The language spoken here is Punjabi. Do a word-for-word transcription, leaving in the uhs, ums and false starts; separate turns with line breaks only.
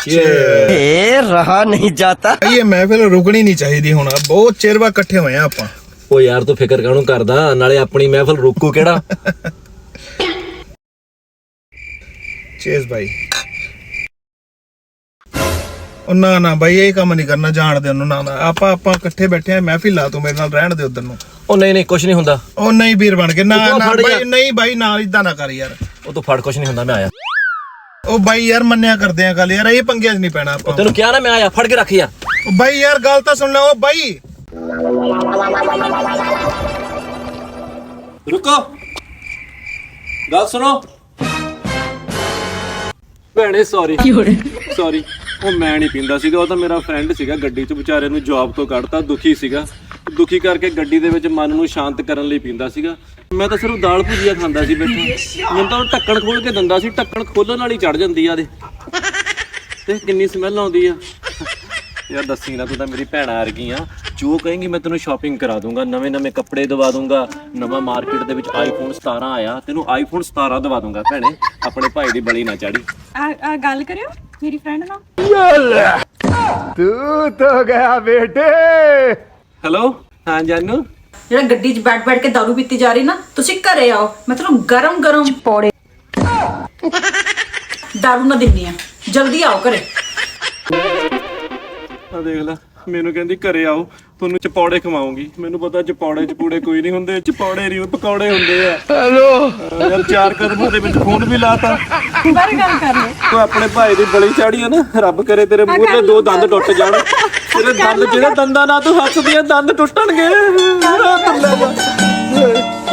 ए, रहा नहीं जाता।
ਇਹ ਮਹਿਫਿਲ ਰੁਕਣੀ ਨਹੀਂ ਚਾਹੀਦੀ ਹੁਣ ਬਹੁਤ ਚਿਰ ਬਾਅਦ ਇਕੱਠੇ ਹੋਏ ਆ ਆਪਾਂ
ਓ ਯਾਰ ਤੂੰ ਫਿਕਰ ਕਾਹਨੂੰ ਕਰਦਾ ਨਾਲੇ ਆਪਣੀ ਮਹਿਫਲ ਰੋਕੂ ਕਿਹੜਾ
ਚੀਜ਼ ਭਾਈ ਉਹ ਨਾ ਨਾ ਭਾਈ ਇਹ ਕੰਮ ਨਹੀਂ ਕਰਨਾ ਜਾਣਦੇ ਉਹਨੂੰ ਨਾ ਨਾ ਆਪਾਂ ਆਪਾਂ ਇਕੱਠੇ ਬੈਠੇ ਆ ਮਹਿਫਿਲ ਲਾ ਤੂੰ ਮੇਰੇ ਨਾਲ ਰਹਿਣ ਦੇ ਉਧਰ ਨੂੰ
ਉਹ ਨਹੀਂ ਨਹੀਂ ਕੁਛ ਨਹੀਂ ਹੁੰਦਾ
ਉਹ ਨਹੀਂ ਵੀਰ ਬਣ ਕੇ ਨਾ
ਉਹ
ਨਾ
ਫੜ
ਭਾਈ
ਯਾਰ।
ਨਹੀਂ ਭਾਈ ਨਾਲ ਇਦਾਂ ਨਾ ਕਰ ਯਾਰ
ਉਹ ਤੂੰ ਫੜ ਕੁਛ ਨਹੀਂ ਹੁੰਦਾ ਮੈਂ ਆਇਆ
ਉਹ ਬਾਈ ਯਾਰ ਮੰਨਿਆ ਕਰਦੇ ਆ ਗੱਲ ਯਾਰ ਇਹ ਪੰਗਿਆਂ 'ਚ ਨਹੀਂ ਪੈਣਾ ਆਪਾਂ
ਤੈਨੂੰ ਕਿਹਾ ਨਾ ਮੈਂ ਆਇਆ ਫੜ ਕੇ ਰੱਖ ਯਾਰ
ਉਹ ਬਾਈ ਯਾਰ ਗੱਲ ਤਾਂ ਸੁਣ ਲੈ ਉਹ ਬਾਈ
ਰੁਕੋ ਗੱਲ ਸੁਣੋ ਭੈਣੇ ਸੌਰੀ ਸੌਰੀ ਉਹ ਮੈਂ ਨਹੀਂ ਪੀਂਦਾ ਸੀਗਾ ਉਹ ਤਾਂ ਮੇਰਾ ਫਰੈਂਡ ਸੀਗਾ ਗੱਡੀ 'ਚ ਵਿਚਾਰੇ ਨੂੰ ਜੌਬ ਤੋਂ ਕੱਢਤਾ ਦੁਖੀ ਸੀਗਾ ਦੁਖੀ ਕਰਕੇ ਗੱਡੀ ਦੇ ਵਿੱਚ ਮਨ ਨੂੰ ਸ਼ਾਂਤ ਕਰਨ ਲਈ ਪੀਂਦਾ ਸੀਗਾ ਮੈਂ ਤਾਂ ਸਿਰਫ ਦਾਲ ਭੁਜੀਆ ਖਾਂਦਾ ਸੀ ਬੈਠਾ ਮੈਨੂੰ ਤਾਂ ਉਹ ਢੱਕਣ ਖੋਲ ਕੇ ਦਿੰਦਾ ਸੀ ਢੱਕਣ ਖੋਲਣ ਨਾਲ ਹੀ ਚੜ ਜਾਂਦੀ ਆ ਦੇ ਤੇ ਕਿੰਨੀ ਸਮੈਲ ਆਉਂਦੀ ਆ ਯਾਰ ਦੱਸੀ ਨਾ ਤੂੰ ਤਾਂ ਮੇਰੀ ਭੈਣਾ ਵਰਗੀ ਆ ਜੋ ਕਹੇਂਗੀ ਮੈਂ ਤੈਨੂੰ ਸ਼ਾਪਿੰਗ ਕਰਾ ਦੂੰਗਾ ਨਵੇਂ ਨਵੇਂ ਕੱਪੜੇ ਦਵਾ ਦੂੰਗਾ ਨਵਾਂ ਮਾਰਕੀਟ ਦੇ ਵਿੱਚ ਆਈਫੋਨ ਸਤਾਰਾਂ ਆਇਆ ਤੈਨੂੰ ਆਈਫੋਨ ਸਤਾਰਾਂ ਦਵਾ ਦੂੰਗਾ ਭੈਣੇ ਆਪਣੇ ਭਾਈ ਦੀ ਬਲੀ ਨਾ ਚਾੜੀ
ਆ ਆ ਗੱਲ ਕਰਿਓ ਮੇਰੀ ਫਰੈਂਡ ਨਾਲ
ਤੂੰ ਤਾਂ ਗਿਆ ਬੇਟੇ
ਹੈਲੋ ਹਾਂ ਜਾਨੂ
ਜਿਹੜਾ ਗੱਡੀ 'ਚ ਬੈਠ ਬੈਠ ਕੇ ਦਾਰੂ ਪੀਤੀ ਜਾ ਰਹੀ ਨਾ ਤੁਸੀਂ ਘਰੇ ਆਓ ਮੈਂ ਤੁਹਾਨੂੰ ਗਰਮ ਗਰਮ ਪੌੜੇ ਦਾਰੂ ਨਾ ਦਿੰਨੀ ਆ ਜਲਦੀ ਆਓ ਘਰੇ
ਆ ਦੇਖ ਲੈ ਮੈਨੂੰ ਕਹਿੰਦੀ ਘਰੇ ਆਓ ਤੁਹਾਨੂੰ ਚਪੌੜੇ ਖਵਾਉਂਗੀ ਮੈਨੂੰ ਪਤਾ ਚਪੌੜੇ ਚਪੂੜੇ ਕੋਈ ਨਹੀਂ ਹੁੰਦੇ ਚਪੌੜੇ ਨਹੀਂ ਪਕੌੜੇ ਹੁੰਦੇ ਆ ਹੈਲੋ ਯਾਰ ਚਾਰ ਕਦਮਾਂ ਦੇ ਵਿੱਚ ਫੋਨ ਵੀ ਲਾਤਾ
ਬਾਰੇ ਗੱਲ ਕਰ ਲਓ
ਤੂੰ ਆਪਣੇ ਭਾਈ ਦੀ ਬਲੀ ਚਾੜੀ ਆ ਨਾ ਰੱਬ ਕਰੇ ਤੇਰੇ ਮੂੰਹ ਤੇ ਦੋ ਦੰਦ ਟੁੱਟ ਜਾਣ ਤੇਰੇ ਦੰਦ ਜਿਹੜੇ ਦੰਦਾਂ ਨਾਲ ਤੂੰ ਹੱਸਦੀ ਆ ਦੰਦ ਟੁੱਟਣਗੇ